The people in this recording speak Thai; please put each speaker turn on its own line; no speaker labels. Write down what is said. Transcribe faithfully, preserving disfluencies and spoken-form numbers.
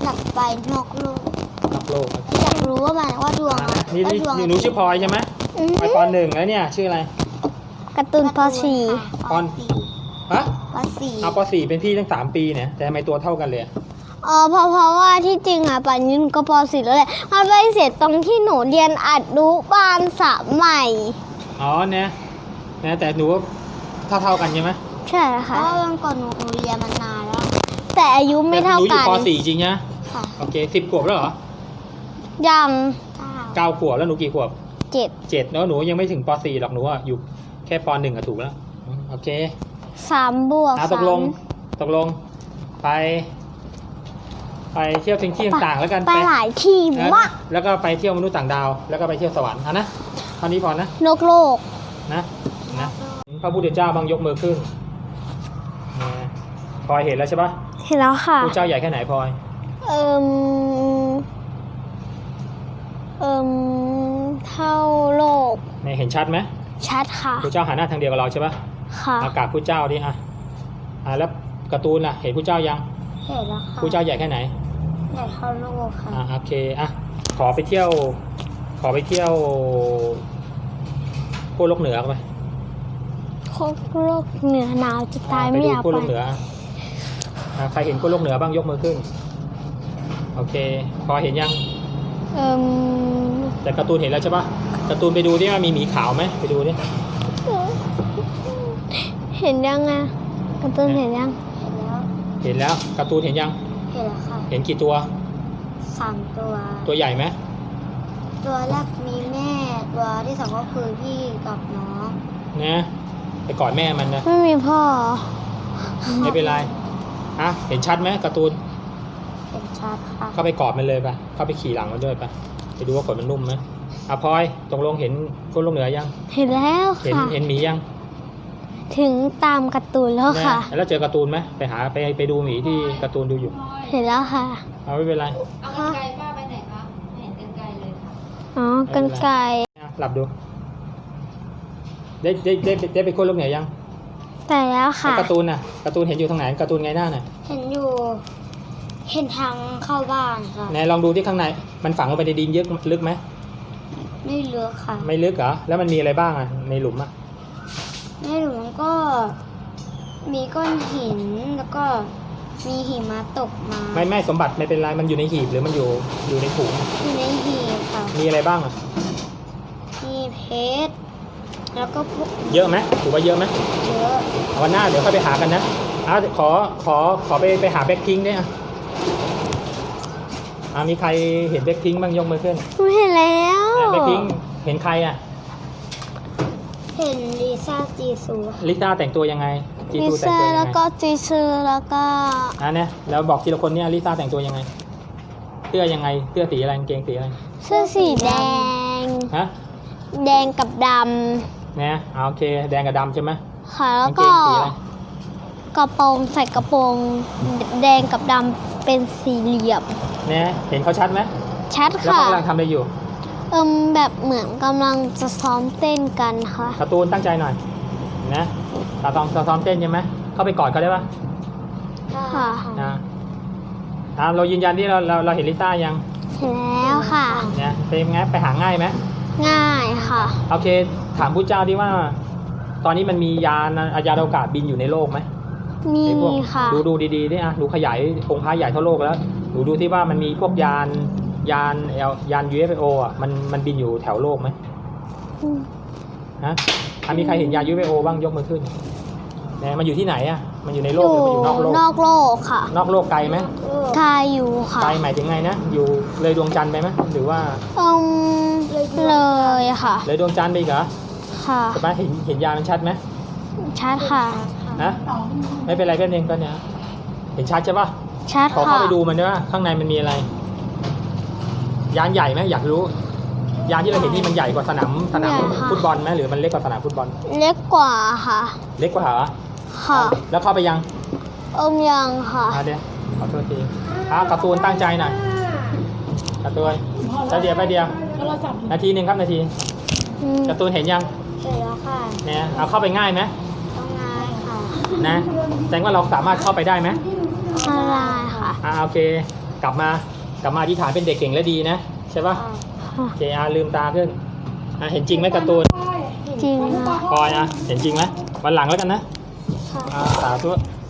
อยากไปนอกโลก
นอกโลก
อยากรู้ว่ามันว่าดวง
นี่นี่หนูชื่อพลอยใช่ไหมพลอยปหนึ่งแล้วเนี่ยชื่ออะไร
การ์ตูนปสี่
ปฮะ
ปสี่
เอาปสี่เป็นพี่ตั้งสามปีเนี่ยแต่ทำไมตัวเท่ากันเลย
อ๋อเพราะเพราะว่าที่จริงอ่ะปันยุนก็ปสี่แล้วแหละมันไปเสียตรงที่หนูเรียนอัดนุบาลสามใหม่
อ๋อเนี่ยนะแต่หนูเท่าเท่ากันใช่ไหม
ใช่ค่ะเพราะวันก่อนหนูเรียนมานานแล้วแต่อายุไม่เท่ากันหนู
อยู่ปสี่จริงนะค่ะโอเคสิบขวบแล้วเหรอ
ยัง
เก้าขวบแล้วหนูกี่ขวบ
เจ็ด
เจ็ดแล้วหนูยังไม่ถึงปสี่หรอกหนูอ่ะอยู่แค่ปหนึ่งอะถูกแล้วโอเค
สามบวก
ตกลงตกลงไปไปเที่ยวที่ต่างๆแล้วกัน
ไปหลายที่มาก
แล้วก็ไปเที่ยวมนุษย์ต่างดาวแล้วก็ไปเที่ยวสวรรค์อ่ะนะเท่านี้พอนะ
นกโลก
นะนะพระพุทธเจ้าบางยกมือขึ้นพลอยเห็นแล้วใช่ปะ
เห็นแล้วค่ะ
พระเจ้าใหญ่แค่ไหนพลอย
เอิมเอิมเท่าโลก
เห็นชัดไหม
ชัดค่ะ
พระเจ้าหันหน้าทางเดียวกับเราใช่ปะ
ค่ะ
อากาศพระเจ้าดิอ่ะอ่ะแล้วการ์ตูนล่ะเห็นพระเจ้ายัง
เห็นแล้วค่ะ
พระเจ้าใหญ่แค่ไหน
ใหญ่เท่าโลกค่ะ
อ่ะโอเคอ่ะขอไปเที่ยวขอไปเที่ยวขั้วโลกเหนือไป
ขั้วโลกเหนือหนาวจะตายไม่อยากไป
ขั้วโลกเหนือใครเห็นขั้วโลกเหนือบ้างยกมือขึ้นโอเคพอเห็นยัง
เอ่ม
แต่การ์ตูนเห็นแล้วใช่ปะการ์ตูนไปดูที่ว่ามีหมีขาวไหมไปดูดิ
เห็นยังไงการ์ตูนเห็นยัง
เห็นแล้วการ์ตูนเห็นยัง
เห็นแล้วค่ะ
เห็นกี่ตัว
สามตัว
ตัวใหญ่ไหม
ตัวแรกมีแม่ตัวที่สองก็คือพี่กับน้อง
นะไปกอดแม่มันนะ
ไม่มีพ่อ
ไม่เป็นไรฮะเห็นชัดไหมการ์ตูน
เห็นชัดค่ะ
เข้าไปกอดมันเลยไปเข้าไปขี่หลังมันด้วยไปไปดูว่าขนมันนุ่มไหมอ่ะพลอยตรงลงเห็นขั้วโลกเหนือยัง
เห็นแล้ว
ค่ะเห็นเห็นหมียัง
ถึงตามการ์ตูนแล้วค่ะ
แล้วเจอการ์ตูนไหมไปหาไปไปดูหมีที่การ์ตูนดูอยู่
เห็นแล้วค่ะ
เอาไม่เป็นไร
เอากรรไกรป้าไปไหนคะไม่เห็นกรรไกรเลยค่ะ
อ๋อกรรไกร
หลับดูได้ได้ได้ได้ไปขั้วโลกเหนือยัง
แต่แล้วค่ะ
การ์ตูนน่ะการ์ตูนเห็นอยู่ทางไหนการ์ตูนไงหน้าน่ะ
เห็นอยู่เห็นทางเข้าบ้านค่ะ
ไหนลองดูที่ข้างในมันฝังลงไปในดินเยอะลึกไหม
ไม่ลึกค่ะ
ไม่ลึกเหรอแล้วมันมีอะไรบ้างอ่ะในหลุมอ่ะ
ในหลุมก็มีก้อนหินแล้วก็มีหิมะตกมา
ไม่ไม่สมบัติไม่เป็นไรมันอยู่ในหีบหรือมันอยู่อยู่ในถุง
อยู่ในหีบค่ะ
มีอะไรบ้างอ่ะ
มีเพชรแล้วก็พวก
เยอะไหมถือว่าเยอะไหม
เยอะ
วันหน้าเดี๋ยวค่อยไปหากันนะอ่ะขอขอขอไปไปหาแบ็คพิงค์ด้วยอ่ะอ่ะมีใครเห็นแบ็คพิงค์บ้างยกมือขึ้น
เห็นแล้ว
แบ็คพิงค์เห็นใครอ่ะ
เห็นลิซ่าจีซู
ลิซ่าแต่งตัวยังไง
จีซูแต่งตัวยังไงแล้วก็จีซูแล้วก็
อ่ะเนี่ยแล้วบอกทีละคนเนี่ยลิซ่าแต่งตัวยังไงเสื้อยังไงเสื้อสีอะไรกางเกงสีอะไร
เสื้อสีแดง
ฮะ
แดงกับดำ
เนี่ยโอเคแดงกับดำใช่ไหม
ค่ะแล้วก็กระโปรงใส่กระโปรงแดงกับดำเป็นสี่เหลี่ยม
เนี่ยเห็นเขาชัดไหม
ชัดค่ะ
แล้วกำลังทำอะไรอยู่
เอิมแบบเหมือนกำลังจะซ้อมเต้นกันค่ะ
การ์ตูนตั้งใจหน่อยนะตาตองซ้อมเต้นใช่ไหมเข้าไปกอดเขาได้ปะ
ค่ะ
นะอ่าเรายืนยันที่เราเราเราเห็นลิซ่ายัง
เห็นแล้วค่ะ
เนี่ยเป็นไงไปหาง่ายไหม
ง่ายค่ะ
โอเคถามผู้เจ้าดิว่าตอนนี้มันมียานยานอวกาศบินอยู่ในโลกไหม
มีค่ะ
ดูดูดีๆนี่อ่ะดูขยายองค์พระใหญ่เท่าโลกแล้วดูดูที่ว่ามันมีพวกยานยานเอลยาน ยู เอฟ โอ อ่ะมันมันบินอยู่แถวโลกไหมฮะมีใครเห็นยาน ยู เอฟ โอ บ้างยกมือขึ้นเนี่ยมันอยู่ที่ไหนอ่ะมันอยู่ในโลกหรือมันอยู่นอกโลก
นอกโลกค่ะ
นอกโลกไกลไหม
ไกลอยู่ค่ะ
ไกลหมายถึงไงนะอยู่เลยดวงจันทร์ไปไหมหรือว่า
อืมเลยค่ะ
เลยดวงจันทร์ไปอีกเหรอ
ค่ะ
ใช่ไหมเห็นเห็นยานมันชัดไหม
ชัดค่ะ
นะไม่เป็นไรแค่นึงก็เนี่ยเห็นชัดใช่ปะ
ชัดค่ะ
ขอเข้าไปดูมันด้วยว่าข้างในมันมีอะไรยานใหญ่ไหมอยากรู้ยานที่เราเห็นนี่มันใหญ่กว่าสนามสนามฟุตบอลไหมหรือมันเล็กกว่าสนามฟุตบอล
เล็กกว่าค่ะ
เล็กกว่าเหรอ
ค่ะ
แล้วเข้าไปยัง
อมยังค่ะ
เดี๋ยวขอโทษทีอ่ะการ์ตูนตั้งใจหน่อยการ์ตูนแล้วเดียวไปเดียวนาทีหนึ่งครับนาทีการ์ตูนเห็นยัง
เห็นแล้วค่ะ
เนี่ยเอาเข้าไปง่ายไหม
ต้องง่ายค่ะ
นะแสดงว่าเราสามารถเข้าไปได้ไหม
ได้ค่ะ
อ่าโอเคกลับมากลับมาอธิษฐานเป็นเด็กเก่งและดีนะใช่ปะ
ค่ะ
เจอาลืมตาขึ้นอ่ะเห็นจริงไหมการ์ตูน
จริงค่ะ
พลอยอ่ะเห็นจริงไหมวันหลังแล้วกันนะ
ค่ะ
อ่าสาธุ